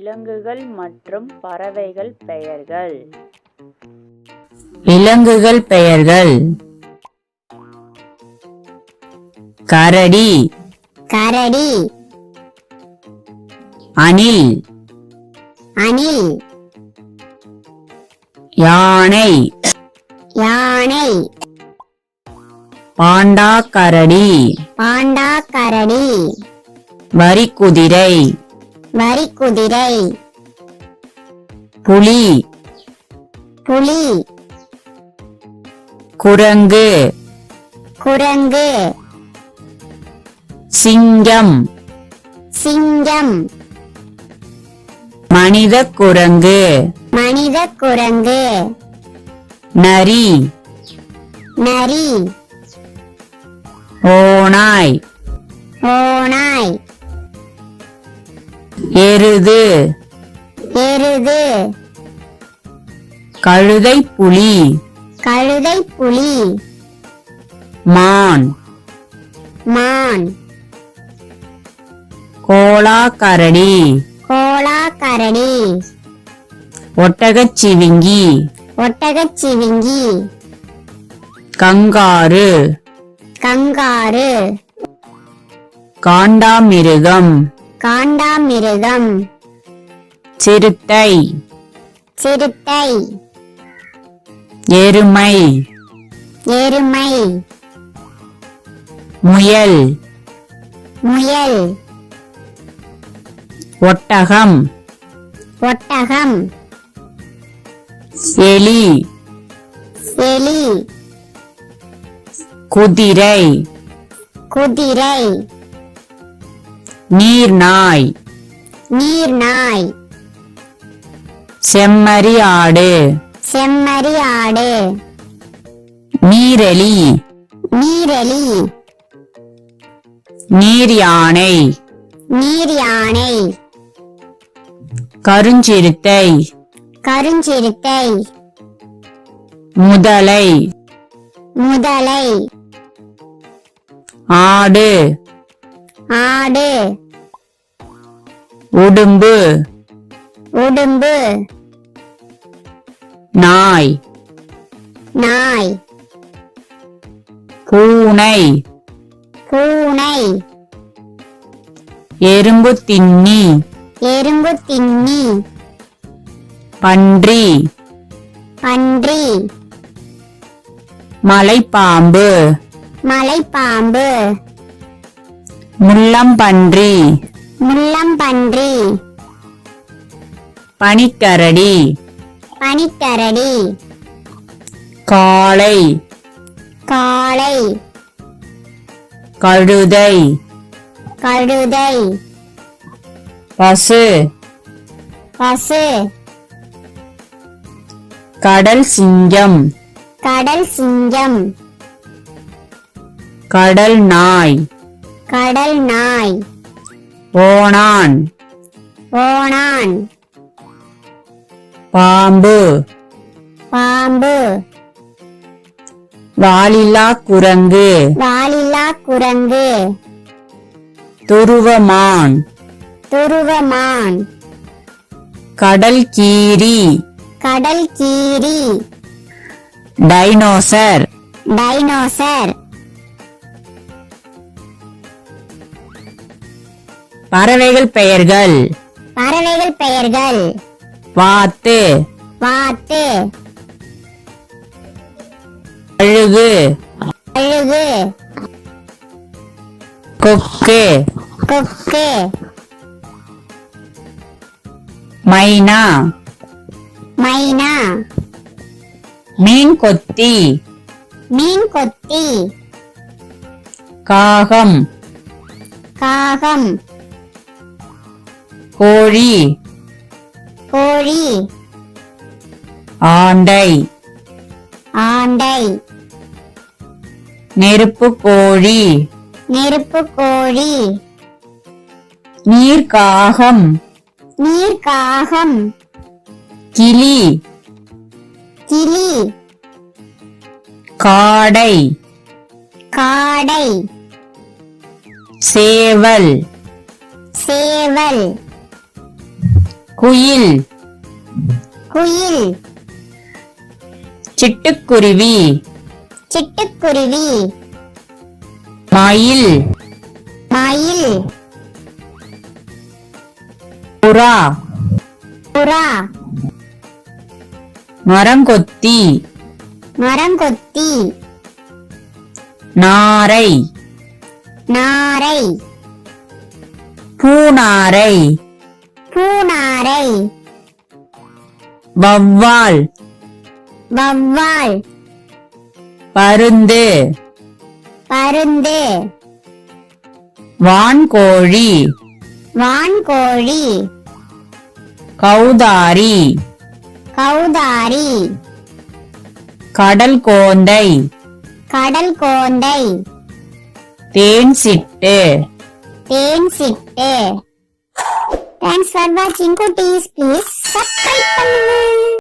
விலங்குகள் மற்றும் பறவைகள் பெயர்கள். விலங்குகள் பெயர்கள்: கரடி, கரடி, அணில், அணில், யானை, யானை, பாண்டா கரடி, பாண்டா கரடி, வரிக்குதிரை, வரிக்குதிரை, புலி, புலி, குரங்கு, குரங்கு, சிங்கம், சிங்கம், மனித குரங்கு, மனித குரங்கு, நரி, நரி, ஓநாய், ஓநாய், எருது, எருது, கழுதை புலி, கழுதை புலி, மான், மான், கோலா கரடி, கோலா கரடி, ஒட்டகச்சிவிங்கி, ஒட்டகச்சிவிங்கி, கங்காரு, கங்காரு, காண்டாமிருகம், காண்டாமிருகம், சிறுத்தை, சிறுத்தை, எருமை, எருமை, முயல், முயல், ஒட்டகம், ஒட்டகம், எலி, எலி, குதிரை, குதிரை, நீர்நாய், நீர்நாய், செம்மறி ஆடு, செம்மறி ஆடு, நீரெலி, நீரெலி, நீர் யானை, நீர் யானை, கருஞ்சிறுத்தை, கருஞ்சிறுத்தை, முதலை, முதலை, ஆடு, ஆடு, உடும்பு, உடும்பு, நாய், நாய், பூனை, பூனை, எறும்பு தின்னி, எறும்பு தின்னி, பன்றி, பன்றி, மலைப்பாம்பு, மலைப்பாம்பு, முள்ளம்பன்றி, முள்ளம்பன்றி, பனிக்கரடி, பனிக்கரடி, காளை, காளை, கழுதை, கழுதை, பசு, பசு, கடல் சிங்கம், கடல் சிங்கம், கடல் நாய், கடல் நாய், ஓணான், ஓணான், பாம்பு, பாம்பு, வாலில்லா குரங்கு, வாலில்லா குரங்கு, துருவமான், துருவமான், கடல் கீரி, கடல் கீரி, டைனோசர். டைனோசர். பறவைகள் பெயர்கள்: பறவைகள் பெயர்கள்: வாத்து, வாத்து, கழுகு, கழுகு, கொக்கு, கொக்கு, மைனா, மைனா, மீன் கொத்தி, மீன் கொத்தி, காகம், காகம், கோழி, கோழி, ஆண்டை, ஆண்டை, நெருப்பு கோழி, நெருப்பு கோழி, நீர்க்காகம், நீர்க்காகம், கிளி, கிளி, காடை, காடை, சேவல், சேவல், குயில் குயில் சிட்டுக்குருவி சிட்டுக்குருவி மயில் மயில் புறா புறா மரங்கொத்தி மரங்கொத்தி நாரை நாரை பூநாரை பூநாரை வௌவால் வௌவால் பருந்து பருந்து வான்கோழி வான்கோழி கௌதாரி கௌதாரி கடல் கோந்தை கடல் கோந்தை தேன் சிட்டு தேன் சிட்டு. Thanks for watching, குட்டீஸ். Please subscribe பண்ணுங்க.